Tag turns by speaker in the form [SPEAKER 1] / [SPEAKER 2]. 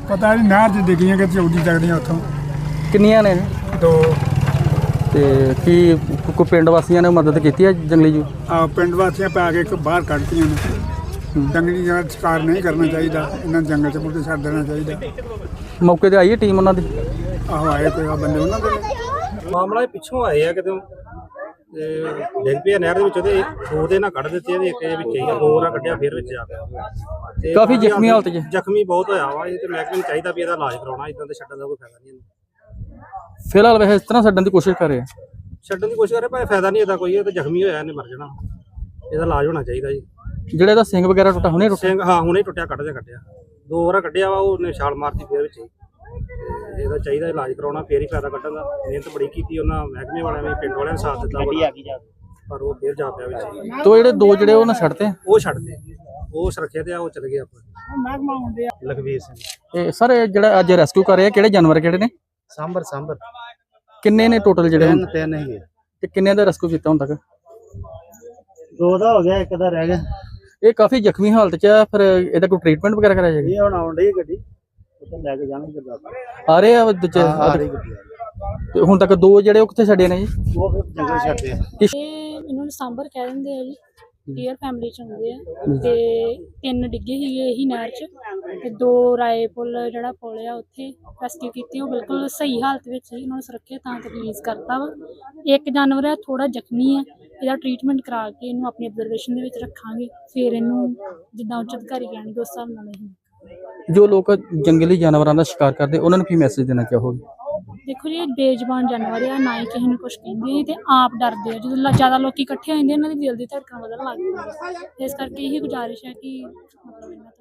[SPEAKER 1] ਪਤਾ ਨਹੀਂ ਨਹਿਰ 'ਚ ਡਿੱਗੀਆਂ ਕਿ ਚੌਦੀ ਚੱਕਦੀਆਂ ਉੱਥੋਂ।
[SPEAKER 2] ਕਿੰਨੀਆਂ ਨੇ?
[SPEAKER 1] 2।
[SPEAKER 2] ਤੇ ਕੀ ਕੋਈ ਪਿੰਡ ਵਾਸੀਆਂ ਨੇ ਮਦਦ ਕੀਤੀ ਹੈ ਜੰਗਲੀ ਜੂ?
[SPEAKER 1] ਪਿੰਡ ਵਾਸੀਆਂ ਪਾ ਕੇ ਇੱਕ ਬਾਹਰ ਕੱਢਤੀਆਂ ਨੇ। ਜੰਗਲੀ ਜਗ੍ਹਾ ਸ਼ਿਕਾਰ ਨਹੀਂ ਕਰਨਾ ਚਾਹੀਦਾ, ਇਹਨਾਂ ਨੂੰ ਜੰਗਲ 'ਚ ਮੁੱਢੇ ਛੱਡ ਦੇਣਾ ਚਾਹੀਦਾ।
[SPEAKER 2] ਮੌਕੇ ਤੇ ਆਈ ਹੈ ਟੀਮ ਉਹਨਾਂ ਦੀ?
[SPEAKER 1] ਆਹੋ ਆਏ ਕੋਈ ਬੰਦੇ ਉਹਨਾਂ ਦੇ
[SPEAKER 3] ਮਾਮਲਾ ਪਿੱਛੋਂ ਆਏ ਆ ਕਿਤੇ ਤੇ ਡਿੱਗ ਪਿਆ ਨਹਿਰ ਦੇ ਵਿੱਚ ਤੇ ਦੋ ਦੇ ਨਾਲ ਕੱਢ ਦਿੱਤੇ ਇਹਦੇ ਇੱਕ ਵਿੱਚ ਹੀ ਦੋ ਨਾਲ ਕੱਢਿਆ ਫਿਰ ਵਿੱਚ ਆ ਗਿਆ ਤੇ
[SPEAKER 2] ਕਾਫੀ ਜ਼ਖਮੀ ਹਾਲਤ 'ਚ?
[SPEAKER 3] ਜ਼ਖਮੀ ਬਹੁਤ ਹੋਇਆ ਵਾ ਇਹ ਤੇ ਮਹਿਕਮੇ ਨੂੰ ਚਾਹੀਦਾ ਵੀ ਇਹਦਾ ਇਲਾਜ ਕਰਾਉਣਾ, ਇਦਾਂ ਤੇ ਛੱਡਣ ਦਾ ਕੋਈ ਫਾਇਦਾ ਨਹੀਂ।
[SPEAKER 2] ਫਿਲਹਾਲ ਵੈਸੇ ਇਸ ਤਰ੍ਹਾਂ ਛੱਡਣ ਦੀ ਕੋਸ਼ਿਸ਼ ਕਰ ਰਹੇ ਆ?
[SPEAKER 3] ਛੱਡਣ ਦੀ ਕੋਸ਼ਿਸ਼ ਕਰੇ ਪਰ ਫਾਇਦਾ ਨਹੀਂ ਇਹਦਾ ਕੋਈ, ਇਹ ਤਾਂ ਜ਼ਖਮੀ ਹੋਇਆ ਇਹਨੇ ਮਰ ਜਾਣਾ, ਇਹਦਾ ਇਲਾਜ ਹੋਣਾ ਚਾਹੀਦਾ ਜੀ।
[SPEAKER 2] ਜਿਹੜਾ ਇਹਦਾ ਸਿੰਘ ਵਗੈਰਾ ਟੁੱਟਾ ਹੁਣੇ ਟੁੱਟਿਆ?
[SPEAKER 3] ਸਿੰਘ ਹਾਂ ਹੁਣੇ ਟੁੱਟਿਆ, ਕੱਢਿਆ ਦੋ ਵਾਰ ਕੱਢਿਆ ਵਾ, ਉਹਨੇ ਛਾਲ ਮਾਰਤੀ ਫਿਰ ਵਿੱਚ ਹੀ। ਇਹਦਾ ਚਾਹੀਦਾ ਇਲਾਜ ਕਰਾਉਣਾ, ਫੇਰ ਹੀ ਫਾਇਦਾ ਕੱਢਣ ਦਾ। ਮਿਹਨਤ ਬੜੀ ਕੀਤੀ ਉਹਨਾਂ ਮਹਿਕਮੇ ਵਾਲਿਆਂ ਨੇ, ਪਿੰਡ ਵਾਲਿਆਂ ਨੇ ਸਾਥ ਦਿੱਤਾ ਪਰ ਉਹ ਫੇਰ ਜਾ ਪਿਆ ਵਿੱਚ।
[SPEAKER 2] ਤੋ ਜਿਹੜੇ ਦੋ ਜਿਹੜੇ ਉਹਨਾਂ ਛੱਡਤੇ?
[SPEAKER 3] ਉਹ ਛੱਡਦੇ, ਉਹ ਸੁਰੱਖਿਆ ਤੇ ਆ, ਉਹ ਚਲੇ ਗਏ ਆਪਾਂ। ਲਖਵੀਰ ਸਿੰਘ।
[SPEAKER 2] ਇਹ ਸਰ ਜਿਹੜਾ ਅੱਜ ਰੈਸਕਿਊ ਕਰ ਰਹੇ ਆ ਕਿਹੜੇ ਜਾਨਵਰ ਕਿਹੜੇ ਨੇ?
[SPEAKER 3] ਸਾਂਬਰ
[SPEAKER 2] ਕਿੰਨੇ ਨੇ ਟੋਟਲ ਜਿਹੜੇ?
[SPEAKER 3] ਤਿੰਨ ਹੈਗੇ।
[SPEAKER 2] ਤੇ ਕਿੰਨੇ ਦਾ ਰੈਸਕਿਊ ਕੀਤਾ ਹੁਣ ਤੱਕ?
[SPEAKER 3] 2 ਦਾ ਹੋ ਗਿਆ, 1 ਦਾ ਰਹਿ ਗਿਆ।
[SPEAKER 2] ਇਹ ਕਾਫੀ ਜ਼ਖਮੀ ਹਾਲਤ 'ਚ ਆ, ਫਿਰ ਇਹਦਾ ਕੋਈ ਟ੍ਰੀਟਮੈਂਟ ਵਗੈਰਾ ਕਰਾਇਆ ਜਾਏਗਾ?
[SPEAKER 3] ਇਹ ਹੁਣ ਆਉਣ ਡਈ ਗੱਡੀ, ਉੱਥੇ ਲੈ ਕੇ ਜਾਣਗੇ ਗੁਰਦਾਸਪੁਰ।
[SPEAKER 2] ਆ ਰਹੇ ਆ ਦੂਜੇ? ਤੇ ਹੁਣ ਤੱਕ 2 ਜਿਹੜੇ ਉਹ ਕਿੱਥੇ ਛੱਡੇ ਨੇ ਜੀ?
[SPEAKER 3] ਉਹ ਫਿਰ ਜੰਗਲ ਛੱਡਦੇ ਆ।
[SPEAKER 4] ਇਹਨਾਂ ਨੂੰ ਸਾਂਬਰ ਕਹਿ ਦਿੰਦੇ ਆ ਜੀ, ਡੀਅਰ ਫੈਮਿਲੀ ਚ ਹੁੰਦੇ ਆ। ਤੇ 3 ਡਿੱਗੇ ਸੀਗੇ ਇਹੀ ਨਹਿਰ ਚ, ਤੇ 2 ਰਾਏ ਪੁੱਲ ਜਿਹੜਾ ਪੁੱਲ ਆ ਉੱਥੇ ਰੈਸਕਿਊ ਕੀਤੀ। ਉਹ ਬਿਲਕੁਲ ਸਹੀ ਹਾਲਤ ਵਿੱਚ ਸੀ, ਉਹਨਾਂ ਨੂੰ ਸੁਰੱਖਿਅਤ ਥਾਂ ਤੇ ਰਿਲੀਜ਼ ਕਰਤਾ ਵਾ। ਇੱਕ ਜਾਨਵਰ ਆ ਥੋੜਾ ਜ਼ਖਮੀ ਆ, ਇਹਦਾ ਟ੍ਰੀਟਮੈਂਟ ਕਰਾ ਕੇ ਇਹਨੂੰ ਆਪਣੀ ਅਬਜ਼ਰਵੇਸ਼ਨ ਦੇ ਵਿੱਚ ਰੱਖਾਂਗੇ, ਫਿਰ ਇਹਨੂੰ ਜਿੱਦਾਂ ਉੱਚ ਅਧਿਕਾਰੀ ਕਹਿਣਗੇ ਉਸ ਹਿਸਾਬ ਨਾਲ ਅਸੀਂ।
[SPEAKER 2] ਜੋ ਲੋਕ ਜੰਗਲੀ ਜਾਨਵਰਾਂ ਦਾ ਸ਼ਿਕਾਰ ਕਰਦੇ ਉਹਨਾਂ ਨੂੰ ਕੀ ਮੈਸੇਜ ਦੇਣਾ ਚਾਹੋਗੇ?
[SPEAKER 4] ਦੇਖੋ ਜੀ, ਇਹ ਬੇਜ਼ੁਬਾਨ ਜਾਨਵਰ ਆ, ਨਾ ਹੀ ਕਿਸੇ ਨੂੰ ਕੁਛ ਕਹਿੰਦੇ ਤੇ ਆਪ ਡਰਦੇ ਆ। ਜਦੋਂ ਜ਼ਿਆਦਾ ਲੋਕੀ ਇਕੱਠੇ ਹੋ ਜਾਂਦੇ ਇਹਨਾਂ ਦੀ ਦਿਲ ਦੀ ਧੜਕਣ ਵਧਣ ਲੱਗ ਜਾਂਦੀ, ਇਸ ਕਰਕੇ ਇਹੀ ਗੁਜ਼ਾਰਿਸ਼ ਹੈ ਕਿ ਮਤਲਬ ਇਹਨਾਂ ਤੋਂ